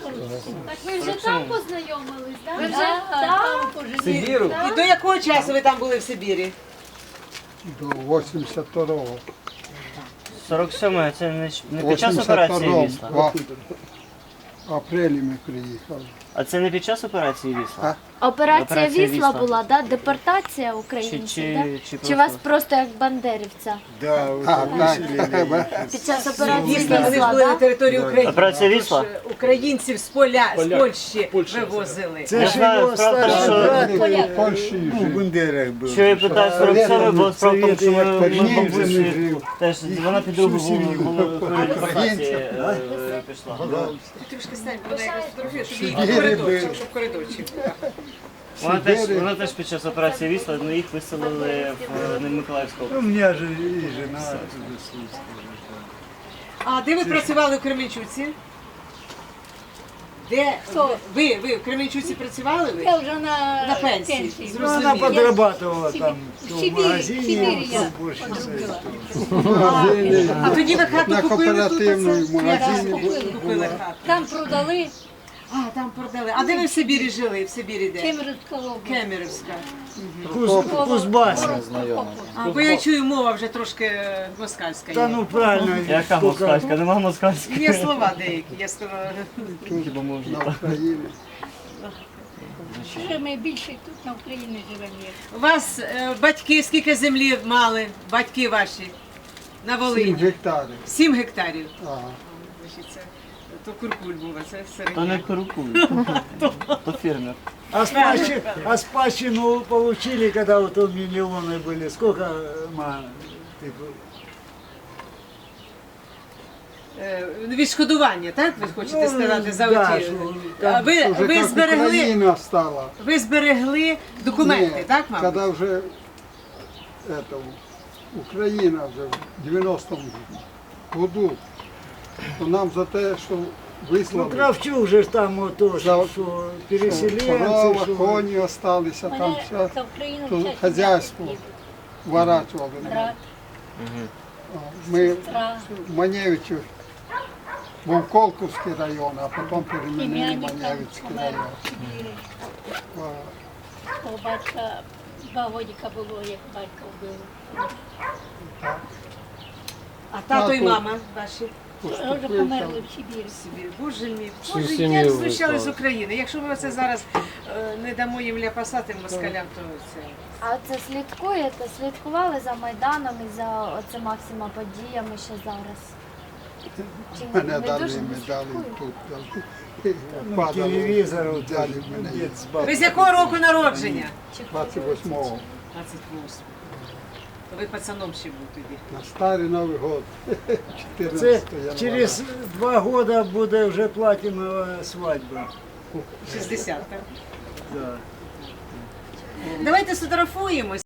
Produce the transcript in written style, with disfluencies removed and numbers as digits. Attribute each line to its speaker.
Speaker 1: Так ви вже там познайомились, так?
Speaker 2: Ви вже там
Speaker 3: Сибіру?
Speaker 2: І до якого часу ви там були в Сибірі?
Speaker 4: До 82-го.
Speaker 3: 47-й, це не під час операції
Speaker 4: 82-го.
Speaker 3: Вісла?
Speaker 4: В апрелі ми приїхали.
Speaker 3: А це не під час операції Вісла?
Speaker 1: Операція
Speaker 3: Операція
Speaker 1: Вісла
Speaker 3: «Вісла».
Speaker 1: була, да? Депортація українців, да?
Speaker 3: Чи
Speaker 1: Чи вас просто як бандерівця?
Speaker 5: Да,
Speaker 4: А, так.
Speaker 1: Під час операції
Speaker 2: Дійсно, вони ж
Speaker 1: Вісла,
Speaker 2: були на
Speaker 1: да?
Speaker 2: території України.
Speaker 3: Операція «Вісла»?
Speaker 2: Тож українців з Польщі вивозили.
Speaker 5: Це
Speaker 3: Я
Speaker 5: ж
Speaker 3: знаю,
Speaker 5: його
Speaker 3: правда,
Speaker 5: старший
Speaker 3: що-
Speaker 5: брат
Speaker 4: В Польщі
Speaker 5: у
Speaker 4: жив.
Speaker 5: Бандерах був.
Speaker 3: Що я питаю 47-й, бо справа в тому, що ми
Speaker 5: Українцями
Speaker 3: бабусі
Speaker 5: жив.
Speaker 3: теж, вона під другу депортації
Speaker 4: Українцям.
Speaker 3: пішла.
Speaker 2: Трошки стань, вона якось фотографує, щоб їй
Speaker 4: Сибірі
Speaker 2: коридорчик,
Speaker 4: був.
Speaker 2: щоб коридорчик.
Speaker 3: Вона теж під час операції Вісла, але їх виселили в Миколаївську область.
Speaker 5: У мене ж і жена туди служила.
Speaker 2: А де ви працювали в Кременчуці? Де? Ви в Кременчуці працювали? Ви?
Speaker 6: Я вже на
Speaker 2: пенсії.
Speaker 6: пенсії.
Speaker 5: Ну, вона
Speaker 2: Зрозуміло.
Speaker 5: подрабатывала там
Speaker 6: В
Speaker 5: в
Speaker 6: Сибірі
Speaker 5: магазині,
Speaker 6: я
Speaker 5: то більше
Speaker 6: одробила.
Speaker 2: А тоді ви хату
Speaker 4: На
Speaker 2: купили тут?
Speaker 4: кооперативному
Speaker 2: оце?
Speaker 4: магазині
Speaker 2: Купили хату.
Speaker 6: Там продали
Speaker 2: А, там продали. А де ви в Сибірі жили? В Сибірі де?
Speaker 6: Кемеровська область.
Speaker 2: Кемеровська.
Speaker 5: Кузбас.
Speaker 2: А, бо я чую, мова вже трошки москальська
Speaker 5: Та
Speaker 2: є.
Speaker 5: ну правильно.
Speaker 3: Яка москальська? Нема москальської.
Speaker 2: Є слова деякі, я сказала.
Speaker 3: Хіба можна
Speaker 4: на
Speaker 3: так?
Speaker 4: Україні.
Speaker 6: Ще ми більше тут на Україні живемо. як.
Speaker 2: У вас батьки скільки землі мали, батьки ваші, на
Speaker 4: 7
Speaker 2: Волині?
Speaker 4: гектарів.
Speaker 2: 7 гектарів.
Speaker 4: Ага.
Speaker 2: Значить, це, то куркуль був, а це
Speaker 3: То не
Speaker 2: середня.
Speaker 3: куркуль, то фермер.
Speaker 5: А спадщину получили, когда вот он миллионы были. Сколько, типу,
Speaker 2: Відшкодування, так? Ви хочете
Speaker 5: Ну,
Speaker 2: сказати за
Speaker 5: да,
Speaker 2: оті?
Speaker 5: що
Speaker 2: А
Speaker 5: там
Speaker 2: ви,
Speaker 4: Уже
Speaker 2: ви
Speaker 4: як
Speaker 2: зберегли,
Speaker 4: Україна стала.
Speaker 2: ви зберегли документи,
Speaker 4: Ні,
Speaker 2: так, мабуть?
Speaker 4: Когда вже Україна вже в 90-му году, то нам за те, що
Speaker 5: ну,
Speaker 4: вислали,
Speaker 5: Кравчук же ж там ото,
Speaker 4: За-
Speaker 5: що переселенці,
Speaker 4: корова,
Speaker 5: що...
Speaker 4: коні осталися, там
Speaker 6: Мене
Speaker 4: все,
Speaker 6: за Україну
Speaker 4: то
Speaker 6: вчать
Speaker 4: хазяйство
Speaker 6: їздити.
Speaker 4: ворачували.
Speaker 6: Брат,
Speaker 4: Ми
Speaker 6: сестра,
Speaker 4: в Маневичі був Колковський район, а потім перемінили
Speaker 6: племянник
Speaker 4: Маневицький
Speaker 6: помер
Speaker 4: район.
Speaker 6: в Сибірі.
Speaker 4: А,
Speaker 6: У батька 2 годика було, як батька вбили.
Speaker 2: А тато і
Speaker 4: Тато.
Speaker 2: мама ваші?
Speaker 6: Вже померли в Сибірі.
Speaker 2: Собі. Боже мій, Боже, як знущали з України. Якщо ми оце зараз не дамо їм ляпасати москалям, то це...
Speaker 1: А це слідкували за Майданом і за оцима всіма подіями ще зараз? Чи ні?
Speaker 4: Мене
Speaker 1: Не
Speaker 4: дали
Speaker 1: дуже
Speaker 4: медалі
Speaker 1: слідкують?
Speaker 4: тут.
Speaker 5: Ну,
Speaker 4: Падало.
Speaker 5: телевізор, от,
Speaker 4: Далі мене
Speaker 5: дід з
Speaker 2: Ви
Speaker 5: бабою.
Speaker 2: з якого року народження?
Speaker 4: 28-го.
Speaker 2: 28. То ви пацаном ще був тоді.
Speaker 4: На старий Новий год. 14
Speaker 5: Це
Speaker 4: января.
Speaker 5: через 2 года буде вже платинова свадьба.
Speaker 2: 60, так?
Speaker 5: Да.
Speaker 2: Давайте сфотографуємось.